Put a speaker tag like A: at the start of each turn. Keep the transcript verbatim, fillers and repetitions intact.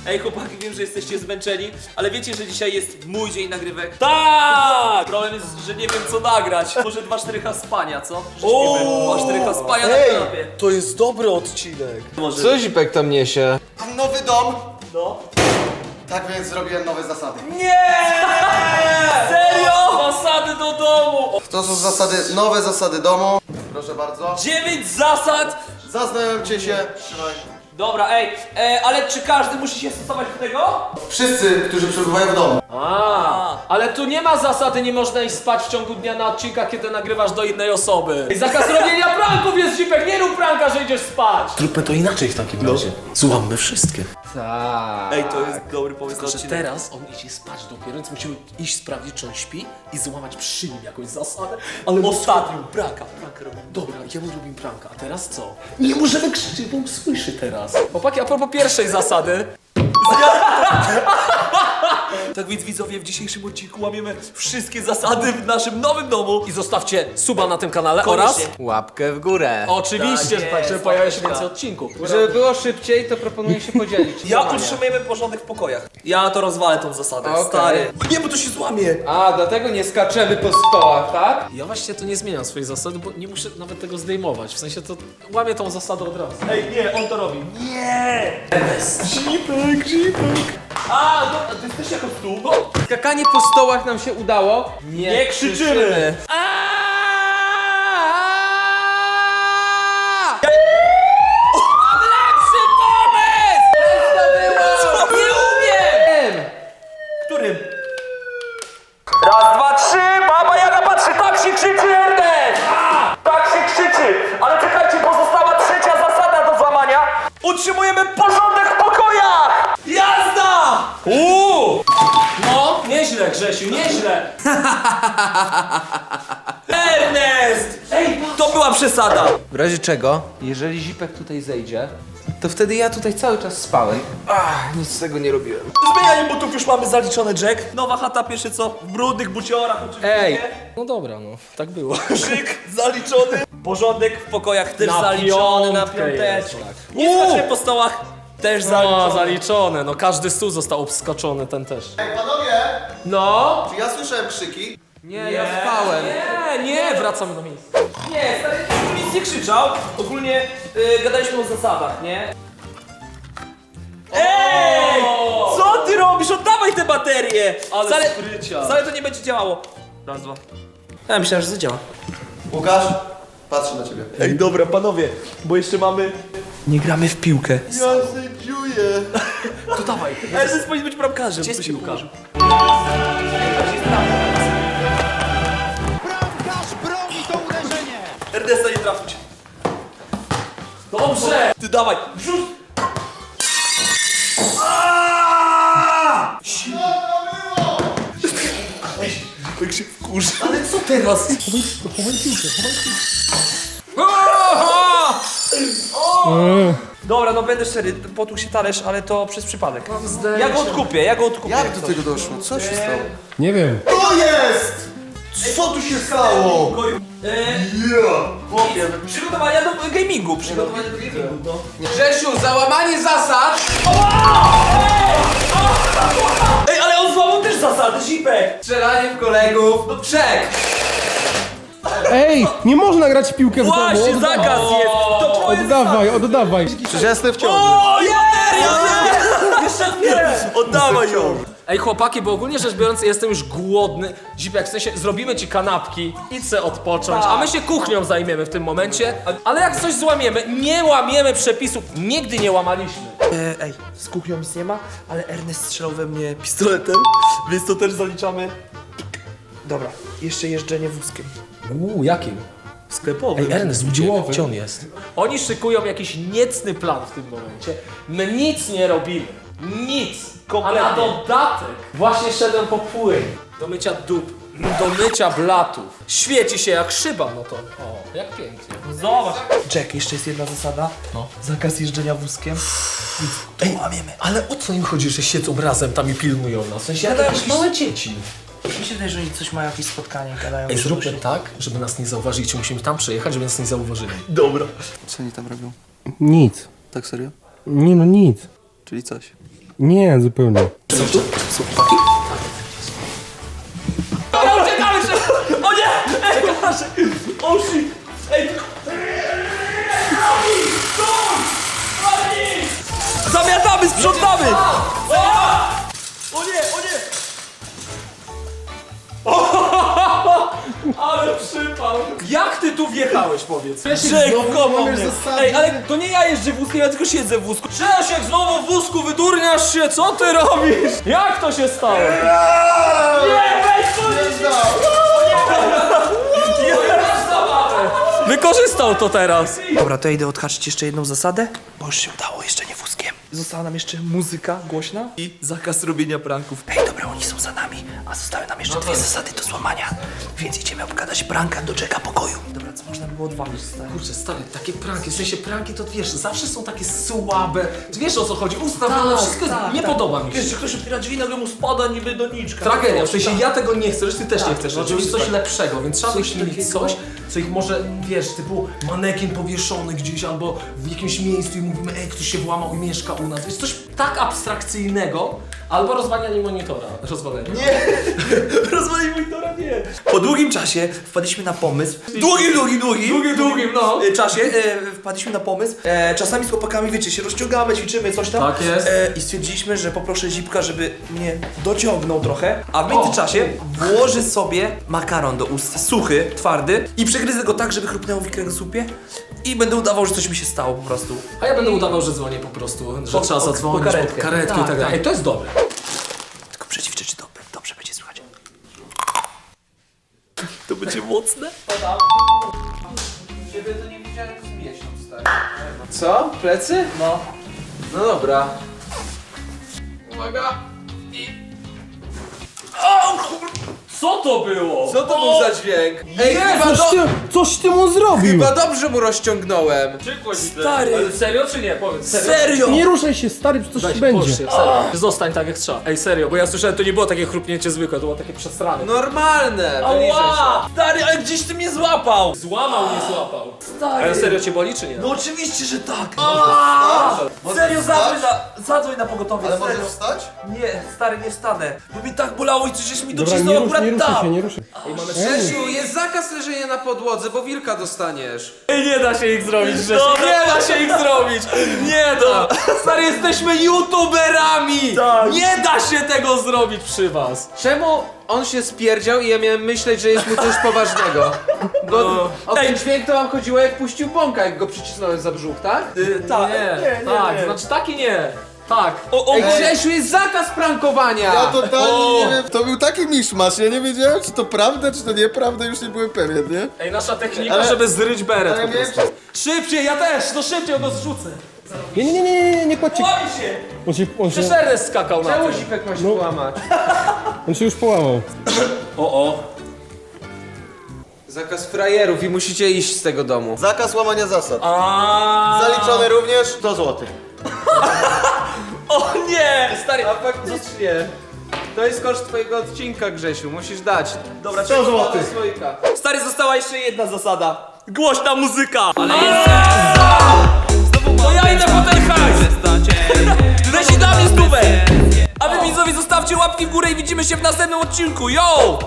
A: Ej chłopaki, wiem, że jesteście zmęczeni, ale wiecie, że dzisiaj jest mój dzień nagrywek? Tak! Problem jest, że nie wiem co nagrać. Może dwa cztery H spania, co? dwa cztery H spania na
B: Ej,
A: kanapie.
B: to jest dobry odcinek.
A: Może...
C: Co Zipek tam niesie?
D: Mam nowy dom,
A: No.
D: tak więc zrobiłem nowe zasady.
A: Nie! Serio? Zasady do domu!
D: To są zasady, nowe zasady domu. Proszę bardzo.
A: Dziewięć zasad!
D: Zaznajomcie się. Trzymaj.
A: Dobra, ej, e, ale czy każdy musi się stosować do tego?
D: Wszyscy, którzy przebywają w domu.
B: A, ale tu nie ma zasady, nie można iść spać w ciągu dnia na odcinkach, kiedy nagrywasz do innej osoby. I zakaz robienia pranków jest, Zipek, nie rób pranka, że idziesz spać. Zróbmy to inaczej w takim razie. Złammy wszystkie.
C: Tak.
A: Ej, to jest dobry pomysł na
B: Tylko, że
A: odcinek.
B: teraz on idzie spać dopiero, więc musimy iść sprawdzić, czy on śpi i złamać przy nim jakąś zasadę. Ale ostatnią pranka, pranka robimy. Dobra, jemu robimy pranka, a teraz co? Nie możemy krzyczeć, bo on słyszy teraz. Chłopaki, a propos pierwszej zasady.
A: Tak więc widzowie, w dzisiejszym odcinku łamiemy wszystkie zasady w naszym nowym domu.
B: I zostawcie suba na tym kanale
A: Koniecznie.
B: oraz...
C: Łapkę w górę.
B: Oczywiście,
A: Tak
B: że tak,
A: jest,
B: żeby pojawiło się
A: łapeczka.
B: więcej odcinków.
C: Żeby było szybciej, to proponuję się podzielić.
A: Ja
C: Zadania.
A: utrzymujemy porządek w pokojach. Ja to rozwalę tą zasadę,
C: Okej.
A: stary. Nie, bo to się złamie.
C: A, dlatego nie skaczemy po stołach, tak?
B: Ja właśnie to nie zmieniam swojej zasady, bo nie muszę nawet tego zdejmować. W sensie to łamię tą zasadę od razu.
A: Ej, nie, on to robi. Nie! Zipek, zipek. A, no, to jest też jako stół. No.
C: Skakanie po stołach nam się udało. Nie,
A: Nie krzyczymy.
B: Mam lepszy pomysł! Co? Nie umiem!
A: Którym? Raz, dwa, trzy, baba Jaga patrzy, tak się krzyczy Ernest! A, tak się krzyczy! Ale czekajcie, pozostała trzecia zasada do złamania. Utrzymujemy porządek w pokojach! Jazda! Uuu!
B: No, nieźle Grzesiu, nieźle!
A: Ernest! Ej, to była przesada!
C: W razie czego, jeżeli Zipek tutaj zejdzie, to wtedy ja tutaj cały czas spałem. Ach, nic z tego nie robiłem.
A: Zmienianie butów już mamy zaliczone, Jack. Nowa chata, pierwsze co? W brudnych buciorach oczywiście.
C: Ej.
B: No dobra, no, tak było.
A: Krzyk zaliczony. Porządek w pokojach też
B: Na
A: zaliczony na
B: piątkę jest,
A: piąteczkę.
B: tak.
A: Nie skaczemy po stołach, też
B: No,
A: zaliczony.
B: zaliczone, no każdy stół został obskaczony, ten też.
D: Ej, panowie,
B: No!
D: czy ja słyszałem krzyki?
C: Nie, ja spałem.
B: Nie, nie, wracamy do miejsca.
A: Nie, stary, tu nic nie krzyczał. Ogólnie y, gadaliśmy o zasadach, nie? Ej! Co ty robisz? Oddawaj te baterie!
B: Ale
A: wcale,
B: sprycia.
A: wcale to nie będzie działało. Raz, dwa. Ja myślałem, że zadziała.
D: Łukasz, patrzę na ciebie.
A: Ej, dobra, panowie, bo jeszcze mamy... Nie gramy w piłkę.
D: Ja sędziuję.
B: To dawaj.
A: Ale to jest powinien być bramkarzem.
B: Gdzie jest
A: to się
B: piłka?
A: ułożył.
E: Bramkarz broni to uderzenie!
A: Ernesta nie trafić.
B: Dobrze!
A: Ty dawaj, wrzuć! Jak się wkurzy.
B: Ale co teraz?
A: Dobra, no będę szczery, potłuł się talerz, ale to przez przypadek.
B: zdjęcie.
A: Ja go odkupię, ja go odkupię.
D: Jak do tego doszło? Co się stało?
E: Nie wiem.
D: To jest! Co tu się stało?
A: Chłopie, przygotowania do gamingu, przygotowania do gamingu, no.
C: Grzesiu, załamanie zasad!
A: Ej, ale on złamał też zasady, Zipek!
C: Strzelanie w kolegów. Czek!
E: Ej, nie można grać w piłkę w
A: Właśnie,
E: domu.
A: zakaz jest! To twoje
E: Oddawaj, oddawaj.
D: Przecież ja jestem w ciągu.
A: O, bateria, nie! Jeszcze nie! Oddawaj ją!
B: Ej chłopaki, bo ogólnie rzecz biorąc jestem już głodny. Zipek, w sensie zrobimy ci kanapki, idź se odpocząć, a my się kuchnią zajmiemy w tym momencie. Ale jak coś złamiemy, nie łamiemy przepisów, nigdy nie łamaliśmy.
A: E, ej, z kuchnią nic nie ma, ale Ernest strzelał we mnie pistoletem, więc to też zaliczamy. Dobra, jeszcze jeżdżenie wózkiem.
B: Uuu, jakim?
A: Sklepowym.
B: Ej, Ernest, gdzie, gdzie on jest? Oni szykują jakiś niecny plan w tym momencie. My nic nie robimy. Nic.
A: Kompletnie.
B: A na dodatek właśnie szedłem po płyn. Do mycia dup. Do mycia blatów. Świeci się jak szyba, no to... O, jak pięknie.
A: Zobacz. Jack, jeszcze jest jedna zasada. No. Zakaz jeżdżenia wózkiem.
B: Ej, łamiemy. Ale o co im chodzi, że siedzą razem tam i pilnują nas? W sensie jak jakieś małe dzieci.
A: Mi się wydaje, że oni coś mają, jakieś spotkanie, gadają.
B: Ej, zróbmy tak, żeby nas nie zauważyli. Musimy tam przejechać, żeby nas nie zauważyli.
A: Dobra.
D: Co oni tam robią?
E: Nic.
D: Tak serio?
E: Nie no, nic.
D: Czyli coś.
E: Nie, zupełnie.
A: Dobra, uciekamy szybko! O nie! Ej, proszę! O shit! Ej! Zamiatamy, sprzątamy! O nie, o nie! Ale przypał! Jak ty tu wjechałeś, powiedz? Czek, komu mnie? Ej, ale to nie ja jeżdżę wózkiem, ja tylko siedzę w wózku. Czesiek, znowu w wózku, wydurniasz się, co ty robisz? Jak to się stało? Nie, weź to Wykorzystał to teraz. Dobra, to ja idę odhaczyć jeszcze jedną zasadę, bo już się udało, jeszcze nie wózkiem. Została nam jeszcze muzyka głośna i zakaz robienia pranków. Ej, dobra, oni są za nami, a zostały nam jeszcze dwie zasady do złamania. Więc idziemy obgadać pranka do Jacka pokoju. Dobra, co można było odwalić, stary?
B: Kurczę, stary, takie pranki, w sensie pranki to wiesz, zawsze są takie słabe. Wiesz o co chodzi, ustawione, wszystko jest, nie podoba mi się.
A: Wiesz, że ktoś otwiera drzwi, nagle mu spada niby doniczka.
B: Tragedia, w sensie ja tego nie chcę, że ty też nie chcesz,
A: no
B: żeby coś
A: oczywiście.
B: lepszego, więc trzeba
A: Coś
B: wymyślić
A: takiego.
B: coś, co ich może, wiesz, typu manekin powieszony gdzieś albo w jakimś miejscu i mówimy, ej, ktoś się włamał i mieszka u nas, wiesz, coś tak abstrakcyjnego, albo rozwalanie monitora, rozwalenie.
A: Nie! Rozwalił monitora, nie! Po długim czasie wpadliśmy na pomysł. Długim, długim, długim! Długim, długim, no! E, czasie e, wpadliśmy na pomysł. E, czasami z chłopakami, wiecie, się rozciągamy, ćwiczymy, coś tam.
B: Tak jest.
A: E, I stwierdziliśmy, że poproszę Zipka, żeby mnie dociągnął trochę, a w międzyczasie włoży sobie makaron do ust, suchy, twardy i przegryzę go tak, żeby chrupnęło w kręgosłupie i będę udawał, że coś mi się stało po prostu.
B: A ja będę udawał, że dzwonię po prostu, że
A: Po-
B: trzeba
A: po-
B: zadzwonić,
A: po karetkę.
B: po karetkę
A: Tak,
B: i tak dalej.
A: tak.
B: Ej, to jest dobre.
A: Tylko przećwiczę, czy dobrze, dobrze będzie słychać. To będzie mocne?
C: Ciebie to nie widziałem z miesiąc, stary. Co? Plecy?
A: No.
C: No dobra. Uwaga!
A: Co to było?
C: Co to był za dźwięk? Ej, chyba,
E: Coś
C: do...
E: ty, coś ty mu zrobił!
C: chyba dobrze mu rozciągnąłem.
A: Stary!
B: Ale serio czy nie? Powiedz,
A: Serio?
E: Nie ruszaj się, stary, coś
B: Weź,
E: ci będzie.
B: połóż się, serio. Zostań tak jak trzeba. Ej, serio, bo ja słyszałem, to nie było takie chrupnięcie zwykłe, to było takie przesrane.
C: Normalne, wyliczę się.
A: Ała! Stary, ale gdzieś ty mnie złapał!
B: Złamał, nie złapał.
A: Stary!
B: Ale serio cię boli czy nie?
A: No oczywiście, że tak! Aaaa! Serio, zadzwoń na, zadzwoń na pogotowie,
D: Ale
A: serio.
D: możesz wstać?
A: Nie, stary, nie wstanę, bo mi tak bolało i coś żeś mi
E: Dobra, nie,
A: docisnął
E: rusz,
A: akurat
E: nie ruszaj się,
A: tam!
E: nie ruszaj.
C: Grzesiu, jest zakaz leżenia na podłodze, bo wilka dostaniesz.
A: Ej, nie da się ich zrobić, Grzesiu, nie da się ich zrobić! Nie da!
B: Stary, jesteśmy youtuberami!
A: Tak.
B: Nie da się tego zrobić przy was!
C: Czemu on się spierdział i ja miałem myśleć, że jest mu coś poważnego? Bo o ten
A: Ej.
C: dźwięk to wam chodziło jak puścił bąka, jak go przycisnąłem za brzuch, tak?
A: Y, tak,
B: Nie, tak, znaczy taki nie. Tak.
A: O, o,
C: Ej, Grzesiu, jest zakaz prankowania!
D: Ja totalnie
A: O!
D: nie wiem. To był taki miszmasz, ja nie wiedziałem, czy to prawda, czy to nieprawda, już nie byłem pewien, nie?
B: Ej, nasza technika,
D: Ale-
B: żeby zryć beret
D: ale
B: po
D: miałem-
B: prostu. Szybciej, ja też, no szybciej go zrzucę.
E: Nie, nie, nie, nie, nie, nie, nie kładźcie.
A: Łamie się!
E: On się, on się,
B: Przecież Ernest skakał na
C: Czemu
B: tym.
C: zipek ma się
E: No.
C: łamać?
E: on się już połamał.
A: O, o.
C: Zakaz frajerów i musicie iść z tego domu.
D: Zakaz łamania zasad.
A: A.
D: Zaliczony również sto złotych.
A: O nie! Stary,
C: A faktycznie. To jest koszt twojego odcinka, Grzesiu, musisz dać.
A: dobra,
D: sto złotych.
C: Słoika.
A: stary, została jeszcze jedna zasada. Głośna muzyka! Ale jest... To ja idę po ten hajs! Leci dla mnie stówę! A wy widzowie zostawcie łapki w górę i widzimy się w następnym odcinku, yo!